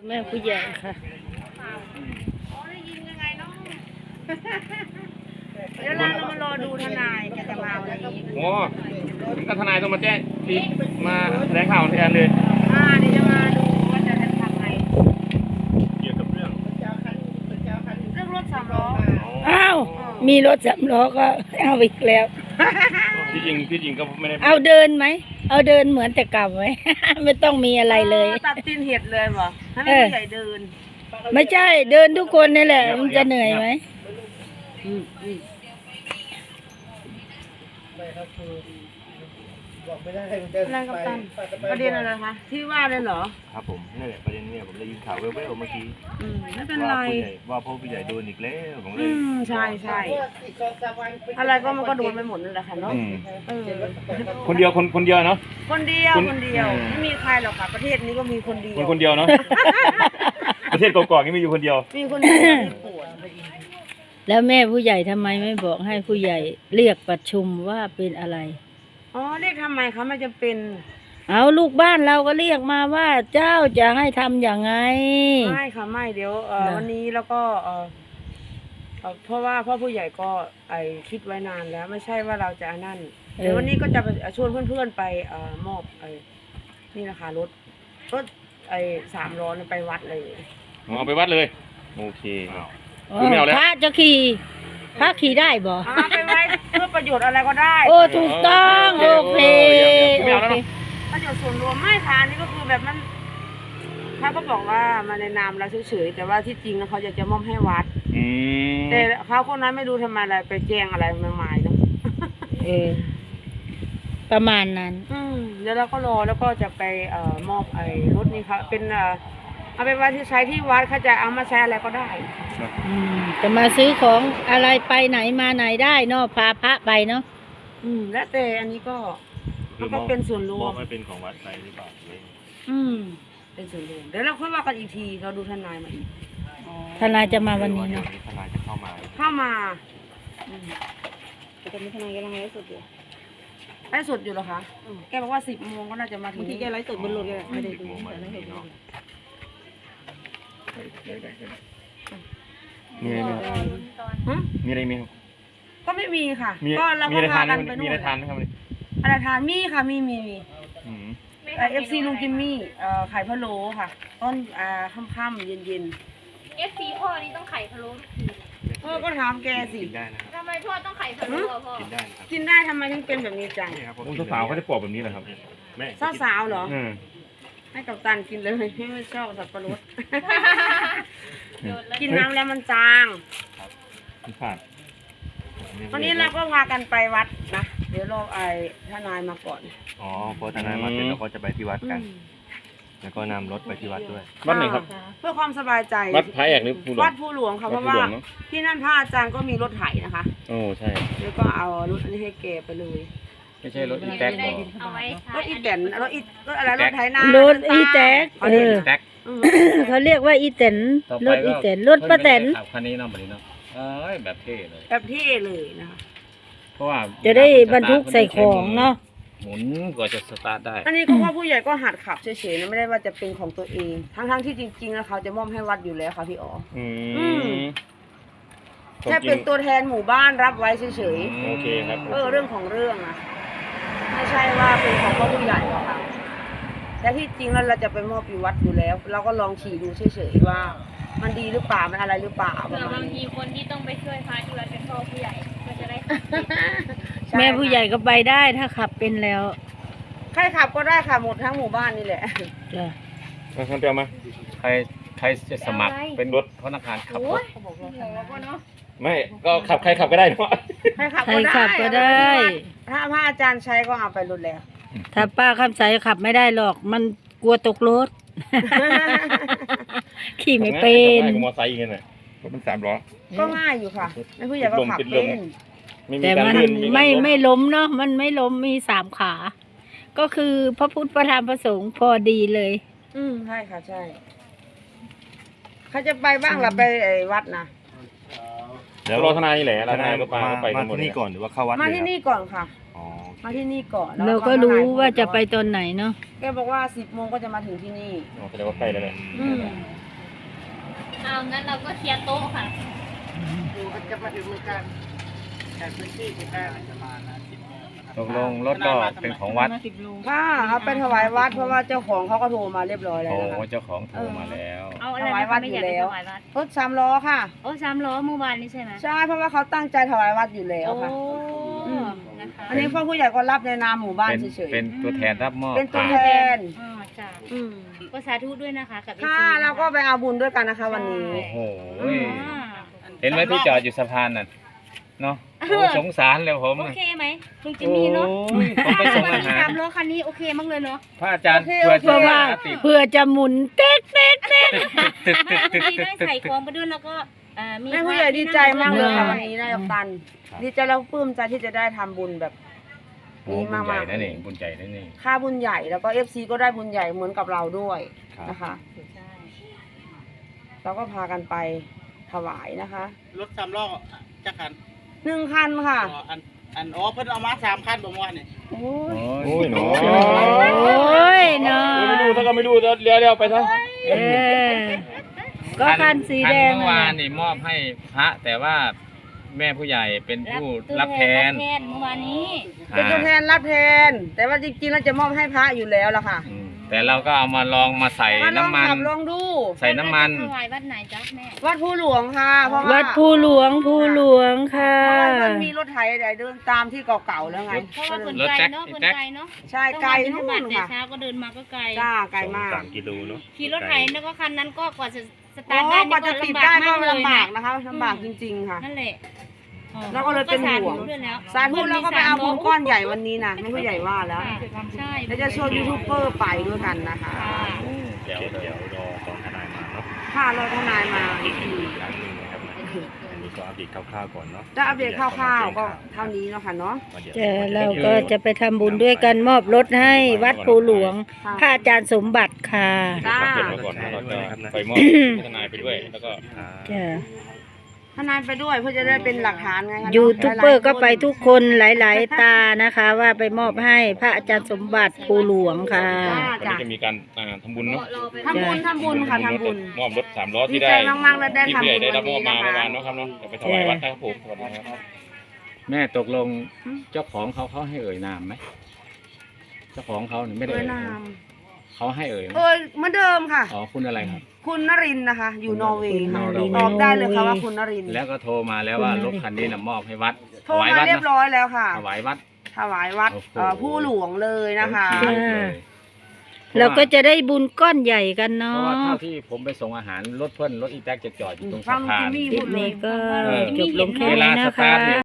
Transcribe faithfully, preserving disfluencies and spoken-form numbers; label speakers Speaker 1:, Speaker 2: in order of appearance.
Speaker 1: แม่ผู้ใหญ่ค่ะ
Speaker 2: ได้ยินยังไงเนาะเดี๋ยวเรามารอดูทนายแกจะมาวันนี้
Speaker 3: โอ้ก็ทนายต้องมาแจ้งที่มาแถลงข่าวแทนเลย
Speaker 2: อ่าเดี๋ยวจะมาดูว่าจะทำไง
Speaker 3: เกี่ยวกับเรื่อง
Speaker 2: เรื่องรถสามล้อ
Speaker 1: อ้าวมีรถสามล้อก็เอาอีกแล้ว
Speaker 3: ที่จริงที่จริงก็ไม่ได้
Speaker 1: เอาเดินไหมเอาเดินเหมือนแต่เก่าไหม ไม่ต้องมีอะไรเลย
Speaker 2: ตัดตีนเห็ดเลยเหรอให้ไม่ผู้ใหญ่เดิน
Speaker 1: ไม่ใช่เดินทุกคนนี่แหละมันจะเหนื่อยไหม
Speaker 2: อืมอืม
Speaker 4: บอกไม่ได้มันจะ
Speaker 2: อะไรกับตันประเด็นอะไรคะที่ว่าเลยเหรอ
Speaker 3: ครับผมนี่นแหละประเด็นเนี่ยผมได้ยินข่าวแว่วๆเมื่อกี้
Speaker 2: อืมไม่เป็นไร
Speaker 3: ว่าผู้ใหญ่ว่าพ่อผู้ใหญ่โดนอีกแล้วผมเล
Speaker 2: อื
Speaker 3: ย
Speaker 2: มใช่ใช่อะไรก็มันก็โดนไปหมดนั่นแหละค่ะเนาะ
Speaker 3: อืม
Speaker 2: เออ
Speaker 3: คนเดียวคนคนเดียวเนาะ
Speaker 2: คนเดียว
Speaker 3: คน
Speaker 2: คนเดียว
Speaker 3: อืม
Speaker 2: ไม่มีใครหรอกค่ะประเทศนี้ก็มีคนเดีย
Speaker 3: คน
Speaker 2: ว
Speaker 3: คนเดียวเนาะ ประเทศกอกๆนี่มีอยู่คนเดียว
Speaker 2: มีคนเดียวที่ปวด
Speaker 1: แล้วแม่ผู้ใหญ่ทำไมไม่บอกให้ผู้ใหญ่เรียกประชุมว่าเป็นอะไร
Speaker 2: อ๋อเรียกทำไมคะไม่จำเป็น
Speaker 1: เอาลูกบ้านเราก็เรียกมาว่าเจ้าจะให้ทำอย่างไง
Speaker 2: ไม่ค่ะไม่เดี๋ยวเอ่อ
Speaker 1: นะ
Speaker 2: วันนี้แล้วก็เอ่อเอ่อเพราะว่าพ่อผู้ใหญ่ก็ไอคิดไว้นานแล้ว ไม่ใช่ว่าเราจะอันนั่นเดี๋ยววันนี้ก็จะไปชวนเพื่อนๆไปเอ่อมอบไอนี่นะคะรถรถไอสามล้อเนี่ยไปวัดเลย
Speaker 3: เอาไปวัดเลย โอเค
Speaker 1: อ๋อ
Speaker 3: คือไม่เอาแล้ว
Speaker 1: พระจะขี่พระขี่ได้บ่
Speaker 2: อ่าไปไว้เพื่อประโยชน์อะไรก็ได้
Speaker 1: โอ้ถูกต้องโอเค
Speaker 3: ไม่เอาแล้ว
Speaker 1: โอ
Speaker 3: เนาะ
Speaker 1: เค
Speaker 2: ประโยชน์ส่วนรวมไม่ค่ะอันนี้ก็คือแบบมันเขาก็บอกว่ามาในนามเราเฉยๆแต่ว่าที่จริงแล้วเขาจะจะมอบให้วัด
Speaker 3: อืม
Speaker 2: แต่เขาคนนั้นไม่รู้ทำไมอะไรไปแจ้งอะไรมากมายเนาะ
Speaker 1: เออประมาณนั้น
Speaker 2: อืมเดี๋ยวเราก็รอแล้วก็จะไปเอ่อมอบไอ้รถนี้ค่ะเป็นเอ่อเอาไปไว้ที่ใช้ที่วัดเขาจะเอามาใช้อะไรก็ได้
Speaker 1: อืมจะมาซื้อของอะไรไปไหนมาไหนได้เนาะพาพระไปเนาะ
Speaker 2: อืมและแต่อันนี้ก็มันก็เป็นส่วนรว
Speaker 3: มอ
Speaker 2: ม
Speaker 3: บให้เป็นของวัดไปหรือเปล่า
Speaker 2: อืมเป็นส่วนรวมเดี๋ยวเราค่อยว่ากันอีกทีเราดูทนายมาอีก
Speaker 1: ทนายจะมาวันนี้เนาะ
Speaker 3: ทนายจะเข้ามา
Speaker 2: เข้ามาอืมแต่ตอนนี้ทนายกำลังไลฟ์สดอยู่ไลฟ์สดอยู่เหรอคะแกบอกว่าสิบโมงก็น่าจะมาถึงที่แกไลฟ์สดบนรถแกไม่ได้ดูแต่ไม่เห็น
Speaker 3: มีอะไรไหมครับ
Speaker 2: ฮะ
Speaker 3: มีอะไรไหมครับ
Speaker 2: ก็ไม่มีค่ะ
Speaker 3: มี
Speaker 2: ก็เรา
Speaker 3: มี
Speaker 2: ก็
Speaker 3: อะไร
Speaker 2: พา
Speaker 3: ทาน
Speaker 2: กัน
Speaker 3: ไหม
Speaker 2: ไป
Speaker 3: มี
Speaker 2: นู่น
Speaker 3: อะไรทานไหมครับวันนี้
Speaker 2: อะไรทานมีค่ะมีมีมี
Speaker 3: อืม
Speaker 2: เอฟซีลุงจิมมี่เอ่อไข่พะโล้ค่ะต้นอ่าค่ำๆเย็น
Speaker 5: เอฟซีพ่อนี่ต้องไข่พะโล้ทุกที
Speaker 2: ๆพ่อก็ถามแกสิ
Speaker 3: กินได้นะครับ
Speaker 5: ทำไมพ่อต้องไข่พะโล้อะพ่อ
Speaker 3: กินได้นะครับ
Speaker 2: กินได้ทำไมถึงเป็นแบบนี้จัง
Speaker 3: นี่ครับผมสาวๆเขาจะปอกแบบนี้เหรอครับแม่
Speaker 2: สาวๆเหรอ
Speaker 3: อืม
Speaker 2: ให้กับตันกินเลยไม่ชอบสับปะรด
Speaker 5: โดนแล้ว
Speaker 2: กินน้ำแล้วมันจาง
Speaker 3: ไม่พลาด
Speaker 2: วันนี้เราก็พากันไปวัดนะเดี๋ยวรอไอ้ทนายมาก่อน
Speaker 3: อ๋อพอทนายมาเสร็จแล้วก็จะไปที่วัดกัน
Speaker 2: อืม
Speaker 3: แล้วก็นำรถไปที่วัดด้วย
Speaker 2: วัดไหนครับ เพื่อความสบายใจ
Speaker 3: วัดพระแอกหรือภูหลวง
Speaker 2: วัดภูหลวงค่ะเพราะว่าที่นั่นพระอาจารย์ก็มีรถไถนะคะ
Speaker 3: โอ้ใช่
Speaker 2: แล้วก็เอารถอันนี้ให้แกไปเลย
Speaker 3: ไม่ใช่รถอีแท็ก
Speaker 5: จะได้เอาไว้ใช้
Speaker 2: รถอีแตนรถอีรถอะไรรถไถนาร ร
Speaker 1: ถอีแตกเออ
Speaker 3: แท็ก
Speaker 2: อืม
Speaker 1: เขาเรียกว่าอีเต็นรถอีเต็นรถป้าแตน
Speaker 6: ขับคันนี้เนาะบัดนี้เนาะเอ้ยแบบเท่เลย
Speaker 2: แบบเท่เลยนะคะ
Speaker 6: เพราะว่า
Speaker 1: จะได้บรรทุกใส่ของเนาะ
Speaker 6: หมุนกว่าจะสตาร์ทได้
Speaker 2: อันนี้ก็ว่าผู้ใหญ่ก็หัดขับเฉยๆนะไม่ได้ว่าจะเป็นของตัวเอง ทั้งๆที่จริงๆแล้วเขาจะมอบให้วัดอยู่แล้วค่ะพี่อ๋อ
Speaker 3: อื
Speaker 2: อืม
Speaker 3: ม
Speaker 2: แค่เป็นตัวแทนหมู่บ้านรับไว้เฉย
Speaker 3: โอเคครับ
Speaker 2: ๆเออเรื่องของเรื่องอะไม่ใช่ว่าเป็นของพ่อผู้ใหญ่หรอกค่ะแต่ที่จริงแล้วเราจะไปมอบอยู่วัดอยู่แล้ว เราก็ลองขี่ดูเฉยๆว่า มันดีหรือเปล่ามันอะไรหรือเปล่าป
Speaker 5: เผื่
Speaker 2: ระ
Speaker 5: อ
Speaker 2: มา
Speaker 5: บา
Speaker 2: ณ
Speaker 5: งที
Speaker 2: นี้
Speaker 5: คนที่ต้องไปช่วยพระที่วัดเป็นพ่อผู้ใหญ่ก็จะได้ขับ
Speaker 2: ใช่
Speaker 1: แม่ผู้ใหญ่ก็ไปได้ถ้าขับเป็นแล้ว
Speaker 2: ใครขับก็ได้ค่ะหมดทั้งหมู่บ้านนี่แหละ
Speaker 1: จ้ะ
Speaker 3: มาทำเปียวมา
Speaker 6: ใครใครจะสมัครเป็นรถพนักงานขับร
Speaker 5: โอ้
Speaker 6: ถ
Speaker 5: ยหัวก็เนาะ
Speaker 3: ไม่ก็ขับใครขับก็ได้เนาะ
Speaker 2: ใครขับ
Speaker 1: ใคร
Speaker 2: ก็ได้
Speaker 1: ขับก็ได้
Speaker 2: ถ้าพระอาจารย์ใช้ก็เอาไปรถแล้ว
Speaker 1: ถ้าป้าคำใสขับไม่ได้หรอก มันกลัวตกรถ ขี่ไม่เป็น
Speaker 3: ขับง่ายกว่ามอไซค์อีกน่ะรถมันสามล้อ
Speaker 2: ก็ง่ายอยู่ค่ะแม่ผู้ใหญ่ก็ขับ
Speaker 3: ติดล
Speaker 2: เล่
Speaker 3: ม
Speaker 2: น
Speaker 3: ไม่มี
Speaker 1: แต่
Speaker 3: การ
Speaker 1: มัน
Speaker 3: ลื่นการ
Speaker 1: ไม่
Speaker 3: ล้
Speaker 1: ไม่ล้มเนาะมันไม่ล้มมีสามขา ก็คือพระพุทธพระธรรมพระสงฆ์พอดีเลย
Speaker 2: อืมใช่ค่ะใช่เขาจะไปบ้างหรือไปไอ้วัดนะ
Speaker 3: เดี๋ยวรอทนายนี่แหละทนายก็ไปก็ไป
Speaker 7: มา
Speaker 3: กันหมด
Speaker 7: ที่นี่ก่อนหรือว่าเข้าวัด
Speaker 2: มา
Speaker 7: เลย
Speaker 2: ที่
Speaker 7: ครับ
Speaker 2: นี่ก่อนค่ะ
Speaker 7: อ๋อ
Speaker 2: มาที่นี่ก่อนแล้ว
Speaker 1: เราก็รู้ว่าจะไปตอนไหนเนาะ
Speaker 2: แกบอกว่าสิบโมงก็จะมาถึงที่นี่
Speaker 3: อ๋อแสดงว่าใกล้แล้วเลย
Speaker 2: อืม
Speaker 5: เอางั้นเราก็เคลียร์โต๊ะค่ะ
Speaker 2: จะมาถึงมือกันจากพื้นที่ใกล้
Speaker 6: ตกลงรถก็เป็นของวัด
Speaker 2: ค่ะเอาไปถวายวัดเพราะว่าเจ้าของเขาก็โทรมาเรียบร้อยแล้ว
Speaker 6: โอ้
Speaker 2: นะคะ
Speaker 6: เจ้าของโทรมาแล้ว
Speaker 5: เอาอะไร
Speaker 2: ถวาย
Speaker 5: นะ
Speaker 2: วั
Speaker 5: คะ
Speaker 2: ด
Speaker 5: ไม่
Speaker 2: อยู่
Speaker 5: อยาก
Speaker 2: แล้ว
Speaker 5: ถวายวัด
Speaker 2: รถสามล้อค่ะ
Speaker 5: โอ้สามล้อเมื่อวานนี้ใช่ไหม
Speaker 2: ใช่เพราะว่าเขาตั้งใจถวายวัดอยู่แล้ว
Speaker 5: โอ้
Speaker 2: ค่ะ อืม
Speaker 5: นะคะ
Speaker 2: อันนี้พ่อผู้ใหญ่ก็รับในนามหมู่บ้าน
Speaker 6: เป็น
Speaker 2: เฉย
Speaker 6: เป็นตัวแทนรับมอบ
Speaker 2: ๆเป็นตัวแทน
Speaker 5: อ๋อจ้ะ
Speaker 2: อืม
Speaker 5: ก็สาธุด้วยนะคะกับ
Speaker 2: ค่ะ
Speaker 5: เอฟซี
Speaker 2: เราก็ไปเอาบุญด้วยกันนะคะ วันนี้
Speaker 6: โอ้โห
Speaker 5: อ่า
Speaker 6: เห็นไหมที่จอดอยู่สะพานน่ะเนาะโอ้สงสารเลยผม
Speaker 5: โอ
Speaker 6: น่ะ
Speaker 5: เคไหมลุงจิม
Speaker 6: โอ้
Speaker 5: มี่เนาะ
Speaker 6: ยผมไปส่งอาหาร
Speaker 5: สามล้อคันนี้โอเคมากเลยเนาะ
Speaker 6: พระอาจารย์
Speaker 2: โอเค
Speaker 6: เพื่อ
Speaker 2: โอเค
Speaker 6: จะ
Speaker 1: เพราะว่า
Speaker 6: ติด
Speaker 1: เพื่อจะหมุนเต๊กเต๊กเต๊ก
Speaker 6: ตึกตึกตึก
Speaker 5: มี
Speaker 6: ตึก
Speaker 5: ได้
Speaker 6: ตึก
Speaker 5: ใส่
Speaker 6: ตึ
Speaker 5: ข
Speaker 6: ก
Speaker 5: องไปด้วยแล้วก็อ่ามี
Speaker 2: แม่ผู้ใหญ่ดีใจมากเลยค่ะ
Speaker 5: ใช่
Speaker 2: วันนี้นายกตัน ดีใจแล้วปลื้มใจที่จะได้ทำบุญแบบ
Speaker 6: โอ้
Speaker 2: นี้
Speaker 6: บุญ
Speaker 2: มาก
Speaker 6: ใหญ่
Speaker 2: ๆ
Speaker 6: นั่นเองบุญใหญ่นั่นเอง
Speaker 2: ค่าบุญใหญ่แล้วก็เอฟซีก็ได้บุญใหญ่เหมือนกับเราด้วยนะคะ
Speaker 5: ใช่
Speaker 2: เราก็พากันไปถวายนะคะ
Speaker 4: รถสามล้อจักคัน
Speaker 2: หนึ่งคันค่ะ
Speaker 4: อ๋ออันอันอ๋อเพิ่นเอามาสามคันบ่ม่วนนี่
Speaker 2: โอ้ย
Speaker 6: โอ้ยหนู
Speaker 1: โอ้ยเนาะ
Speaker 3: ไม่ดูถ้าก็ไม่ดูเลี้ยวเลี้ยวไปซะ
Speaker 1: เออก็คันสีแดง
Speaker 6: คันเมื่อ
Speaker 1: นั่น
Speaker 6: วาน
Speaker 1: น่ะ
Speaker 6: นี่มอบให้พระแต่ว่าแม่ผู้ใหญ่เป็นผู้รับแทน
Speaker 5: รับแทนเมื่อวานนี้
Speaker 2: เป็นตัวแทนรับแทน แต่ว่าจริงๆเราจะมอบให้พระอยู่แล้วล่ะค่ะ
Speaker 6: อืมแต่เราก็เอามาลองมาใส่
Speaker 2: มาลอง
Speaker 6: น้ำมัน
Speaker 2: ขับลองดู
Speaker 6: ใส่น้ำมัน
Speaker 5: ถวายวัดไหนจ๊ะแม่
Speaker 2: วัดภูหลวงค่ะเพราะว่า
Speaker 1: วัดภูหลวงภูหลวงค่ะ
Speaker 2: เพราะว่ามันมีรถไถใดเดินตามที่เก่าๆแล้วไง
Speaker 5: เพราะว่าคน
Speaker 6: รถ
Speaker 5: ไกล
Speaker 6: แจ็ค
Speaker 5: เนาะ
Speaker 6: อี
Speaker 5: คน
Speaker 6: แจ็ค
Speaker 5: ไกลเนาะ
Speaker 2: ใช่ไกล
Speaker 5: ต้อง
Speaker 2: นู่
Speaker 5: มาบิณฑบาต
Speaker 2: น
Speaker 5: แต่
Speaker 2: ค่ะ
Speaker 5: เช้าก็เดินมาก็ไกล
Speaker 2: จ้าไกลมาก
Speaker 7: สามกิโลเนาะ
Speaker 5: ขี่รถไถแล้วก็คันนั้นก็กว่าจะส
Speaker 2: โอ้
Speaker 5: ตาร์ทได้
Speaker 2: กว่าจะติดได้ก็ลำบาก
Speaker 5: นะ
Speaker 2: นะคะลำบากจริงๆค่ะ
Speaker 5: นั่นแหละอ๋อ
Speaker 2: เราก็เลยเป็นห่วง
Speaker 5: ก็สาธุด้วยแล้ว
Speaker 2: สาธุแล้วก็ไปเอาบุญก้อนใหญ่วันนี้นะไม่ผู้ใหญ่ว่าแล้ว
Speaker 5: ใช่
Speaker 2: แล้วจะชวนยูทูบเบอร์ไปด้วยกันนะคะ
Speaker 5: ค่ะ
Speaker 7: เดี๋ยวเดี๋ยวรอตอนทนายมาเนาะ
Speaker 2: ค่ะเราทนายมาอีกที
Speaker 7: อีกครั้งหนึงนะครับอันนี้ก็อัปเดตคร่าวๆก่อนเนาะ
Speaker 2: จะอัปเดตคร่าวๆก็เท่านี้เนาะค่ะเนาะ
Speaker 1: เดี๋ยวเราก็จะไปทำบุญด้วยกันมอบรถให้วัดภูหลวง
Speaker 2: ค่ะ
Speaker 1: พระอาจารย์สมบัติค่ะ
Speaker 2: จ้า
Speaker 3: เก็บไว้ก่อนแล้วเราจะไปมอบทนายไปด้วยแล้วก็
Speaker 1: จ้ะ
Speaker 2: ทนายไปด้วยเพื่อจะได้เป็นหลักฐานไงคะ
Speaker 1: ยูทูบเบอร์ก็ไปทุกคนหลาย ๆ ตานะคะ ว่าไปมอบให้พระอาจารย์สมบัติภูหลวงค่ะ
Speaker 2: จ้า
Speaker 3: วัน
Speaker 2: จ้า
Speaker 3: นี้จะมีการอ่าทำบุญเนาะ
Speaker 2: ทำบุญทำบุญค่ะทำบุญ
Speaker 3: มอบรถสามล้อ
Speaker 2: ดี
Speaker 3: ที่
Speaker 2: ใจ
Speaker 3: ได้
Speaker 2: มากๆแล้วได้
Speaker 3: ที่
Speaker 2: ทำ
Speaker 3: ผู้ให
Speaker 2: บุ
Speaker 3: ญ่
Speaker 2: ญ
Speaker 3: ได้
Speaker 2: วั
Speaker 3: รับ
Speaker 2: น
Speaker 3: มอ
Speaker 2: นี้
Speaker 3: บมา
Speaker 2: นะคะ
Speaker 3: เมื่อวานเนาะครับเนาะเดี๋ยวไปถวายวัดนะครับผมสวัสดีครับ
Speaker 6: แม่ตกลงเจ้าของเขาเขาให้เอ่ยนามไหมเจ้าของเขาเนี่ยไม่ได้
Speaker 2: เอ้
Speaker 6: เอ่
Speaker 2: ย
Speaker 6: ย
Speaker 2: นาน
Speaker 6: าม มเขาให้เอ่ยไหม
Speaker 2: เอ้ยเหมือนเดิมค่ะ
Speaker 6: อ๋อคุณอะไรครับ
Speaker 2: คุณนรินทร์นะคะ อยู่นอร์เวย์ค่ะ
Speaker 6: คุณนอร์เวย์
Speaker 2: ตอบได้เลยค่ะว่าคุณนรินทร์
Speaker 6: แล้วก็โทรมาแล้วว่ารถคันนี้น่ะมอบให้วัด
Speaker 2: โทรมาเรียบร้อยแล้วค่ะ
Speaker 6: ถวายวัด
Speaker 2: ถวายวัด
Speaker 6: โอ้โห
Speaker 2: เอ่อผู้หลวงเลยนะคะ
Speaker 6: โอเคเลย
Speaker 1: เราก็จะได้บุญก้อนใหญ่กัน
Speaker 6: เพ
Speaker 1: เนาะ
Speaker 6: ราะว่าเท่าที่ผมไปส่งอาหารรถเพื่อนรถอีแท็กจะจอดอยู่ตรง
Speaker 2: ฟั
Speaker 6: สะ
Speaker 2: ง
Speaker 6: พา
Speaker 2: จิ
Speaker 6: น
Speaker 2: มมี่
Speaker 1: คลิ
Speaker 2: พู
Speaker 1: ป
Speaker 2: ดเล
Speaker 1: นี้
Speaker 2: ย
Speaker 1: ก็
Speaker 6: เออ
Speaker 1: จบลงแค่
Speaker 6: เวลา
Speaker 1: นี้
Speaker 6: ส
Speaker 1: นะ
Speaker 6: ตา
Speaker 1: คะ
Speaker 6: ร์ทเนี่ย